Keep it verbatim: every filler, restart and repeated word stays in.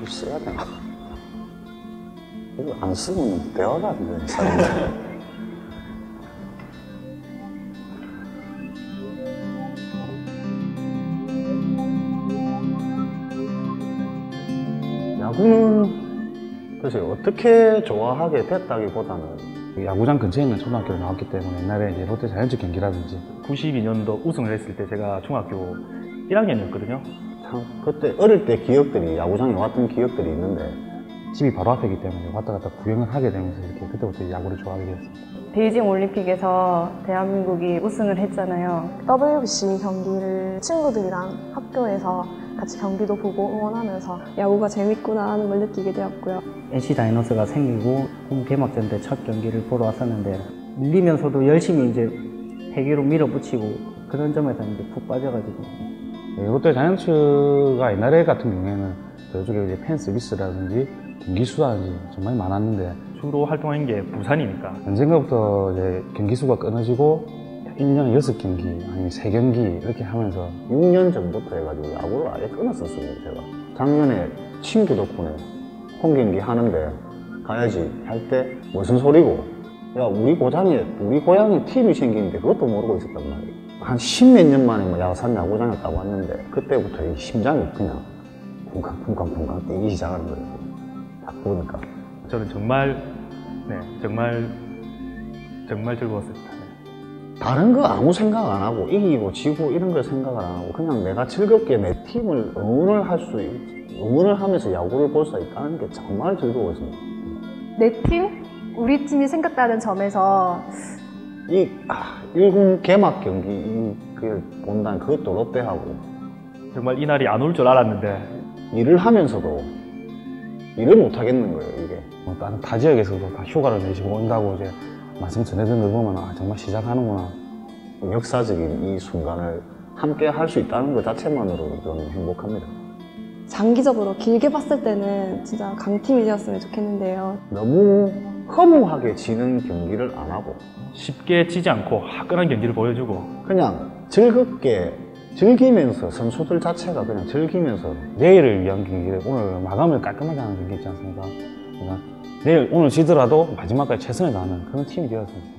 써야 되나? 이거 안 쓰면 대화가 안 돼, 사람들. 야구는 글쎄 어떻게 좋아하게 됐다기보다는 야구장 근처에 있는 초등학교를 나왔기 때문에 옛날에 이제 롯데 자이언츠 경기라든지 구십이 년도 우승을 했을 때 제가 중학교 일 학년이었거든요. 참 그때 어릴 때 기억들이 야구장에 왔던 기억들이 있는데 집이 바로 앞이기 때문에 왔다 갔다 구경을 하게 되면서 이렇게 그때부터 야구를 좋아하게 되었습니다. 베이징 올림픽에서 대한민국이 우승을 했잖아요. 더블유비씨 경기를 친구들이랑 학교에서 같이 경기도 보고 응원하면서 야구가 재밌구나 하는 걸 느끼게 되었고요. 엔씨 다이노스가 생기고 홈 개막전 때 첫 경기를 보러 왔었는데 밀리면서도 열심히 이제 패기로 밀어붙이고 그런 점에서 이제 푹 빠져가지고 롯데 자이언츠가 옛날에 같은 경우에는 저쪽에 이제 팬 서비스라든지 경기 수라든지 정말 많았는데 주로 활동한 게 부산이니까 언젠가부터 이제 경기 수가 끊어지고 일 년에 여섯 경기 아니면 세 경기 이렇게 하면서 육 년 전부터 해가지고 야구를 아예 끊었었습니다. 제가 작년에 친구 덕분에 홈 경기 하는데 가야지 할 때 무슨 소리고 야 우리 고장에 우리 고향에 팀이 생기는데 그것도 모르고 있었단 말이에요. 한 십몇 년 만에 뭐 야산 야구장에 딱 왔는데 그때부터 이 심장이 그냥 쿵쾅쿵쾅쿵쾅 뛰기 시작하는 거예요. 딱 보니까 저는 정말 네 정말 정말 즐거웠습니다. 네. 다른 거 아무 생각 안 하고 이기고 지고 이런 걸 생각을 안 하고 그냥 내가 즐겁게 내 팀을 응원을 할 수 응원을 하면서 야구를 볼 수 있다는 게 정말 즐거웠습니다. 내 팀? 우리 팀이 생겼다는 점에서 이 아, 일 군 개막 경기 이, 그걸 본다는 그것도 롯데하고 정말 이날이 안 올 줄 알았는데 일을 하면서도 일을 못 하겠는 거예요. 이게 뭐 다른 타 지역에서도 다 휴가를 내시고 온다고 이제 말씀 전해드린 걸 보면 아 정말 시작하는구나. 역사적인 이 순간을 함께 할 수 있다는 것 자체만으로도 저는 행복합니다. 장기적으로 길게 봤을 때는 진짜 강팀이 되었으면 좋겠는데요. 너무 허무하게 지는 경기를 안 하고 쉽게 지지 않고 화끈한 경기를 보여주고 그냥 즐겁게 즐기면서 선수들 자체가 그냥 즐기면서 내일을 위한 경기를 오늘 마감을 깔끔하게 하는 경기 있지 않습니까? 그러니까 내일 오늘 지더라도 마지막까지 최선을 다하는 그런 팀이 되었습니다.